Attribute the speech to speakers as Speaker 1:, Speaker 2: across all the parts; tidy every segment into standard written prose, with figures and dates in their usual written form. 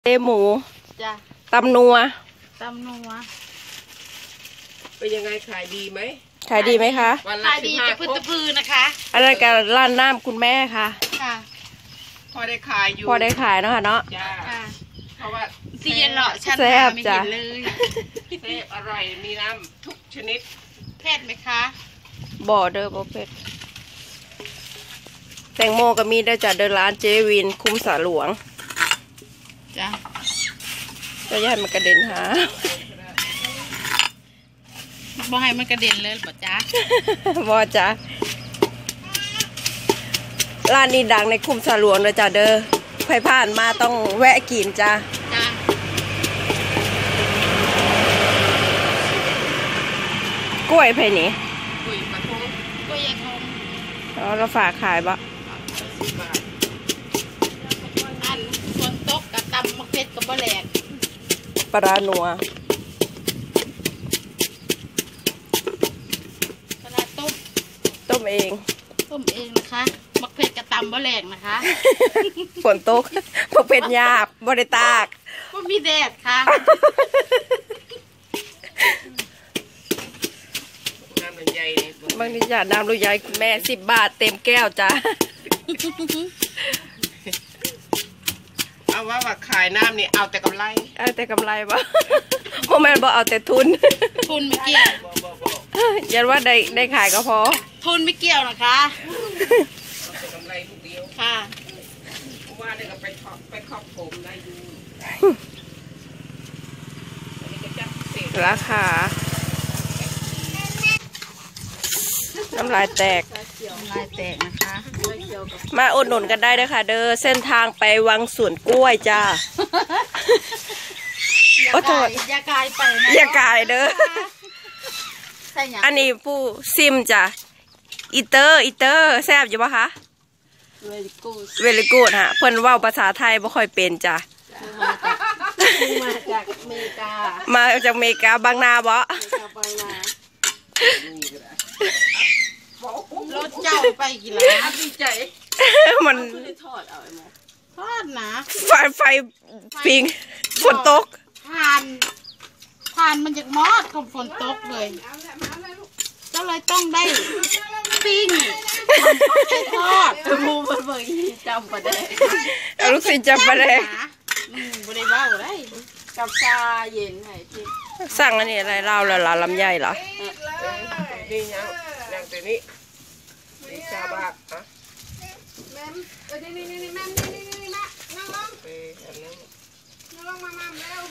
Speaker 1: เตหมู
Speaker 2: จ้ะ
Speaker 1: ตำนัว
Speaker 3: เป็นยังไงขายดีไหม
Speaker 1: ขายดีไหมคะ
Speaker 2: ขายดีจะพื้นตะพือนะคะ
Speaker 1: อันนั้นการร้านน้ำคุณแม่ค่ะ
Speaker 3: พอได้ขายอยู่
Speaker 1: พอได้ขายเนาะค่ะเนาะ
Speaker 3: เพราะว่า
Speaker 2: เสียหล่อชั้นไม่เห็นเลย
Speaker 3: เซ่บอร่อยมีน้ำทุกชนิด
Speaker 2: เผ็ดไหมคะ
Speaker 1: บ่อเด้อบ่เผ็ดแตงโมก็มีได้จากเดินร้านเจวินคุ้มสาหลวง
Speaker 2: จ้ะ
Speaker 1: ก็ย่ามันกระเด็นหา
Speaker 2: บ่ให้มันกระเด็นเลยบ่จ้า
Speaker 1: บ่จ้าร้านนี้ดังในคุ้มสาหลวงเลยจ้ะเด้อใครผ่านมาต้องแวะกินจ้ากล้วยไผ่นี่
Speaker 3: กล้วยปลาทู
Speaker 2: กล้วยยายทง
Speaker 1: เราฝากขายบ่
Speaker 2: อันฝนตกกับตำมะเขือกับบ่แหลก
Speaker 1: ปลาหนัว
Speaker 2: ปลา
Speaker 1: ต้มเอง
Speaker 2: นะคะมะเขือกับตำบ่แหลกนะคะ
Speaker 1: ฝนตกมะเขือหยาบบ่ได้ตาก
Speaker 2: บ่มีแดดค่ะ
Speaker 1: บางทีอยากน้ำลูกใหญ่คุณแม่10 บาทเต็มแก้วจ้า
Speaker 3: เอาว่าขายน้ำนี่เอาแต่กำไร
Speaker 1: บ่โมแมนบอกเอาแต่ทุน
Speaker 2: ไม่เกี่ยว
Speaker 1: ยันว่าได้ขายก็พอ
Speaker 2: ทุนไม่เกี่ยวนะคะ
Speaker 3: เอาแต่กำไรทุกเดียว
Speaker 2: ค่ะ
Speaker 3: ว่าได้ก็ไปครอบผมได้ดู
Speaker 1: ราคาน้ำลายแตก
Speaker 2: นะคะ
Speaker 1: มาอุดหนุนกันได้เลยค่ะเด้อเส้นทางไปวังสวนกล้วยจ้า
Speaker 2: อย่ากายไปนะ
Speaker 1: อย่ากายเด้ออันนี้ผู้ซิมจ้ะอีเตอร์แซ่บอยู่ปะคะเวลิกูดฮะเพิ่นว่าภาษาไทยบ่ค่อยเป็นจ้ะ
Speaker 2: มาจากอเมริกา
Speaker 1: บางนาบ่
Speaker 2: รถเจ้าไปกี่ล้านดีใจ
Speaker 1: มัน
Speaker 2: ทอดนะ
Speaker 1: ไฟปิงฝนตก
Speaker 2: ผ่านมันจากมอดของฝนตกเลยก็เลยต้องได้ปิ้งทอดมูเบิ่งจำประเดี๋ยว
Speaker 1: ลูกศิษย์จำประเดี๋ยว
Speaker 2: บ่ได้เว้าได้กับชาเย็นให้ที่
Speaker 1: สั่งอันนี้อะไรเล่าละลำไยเหรอ
Speaker 3: นี่ยังแต่นี้ชาบาทฮะ
Speaker 2: แม่นี่แม่นั่งลง
Speaker 3: ไปอันนั้น
Speaker 2: นั่งลงมาเร็ว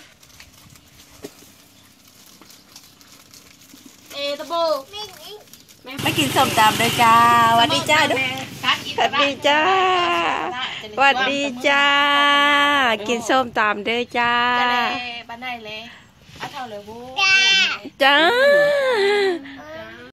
Speaker 2: ตะโบ
Speaker 1: ไปกินส้มตำเลยจ้าวัสดีจ้าด้วยวัสดีจ้าวัสดีจ้ากินส้มตำด้วยจ้า
Speaker 2: บ้านไหนเลยเอาเท่าเลยบู
Speaker 1: จ้า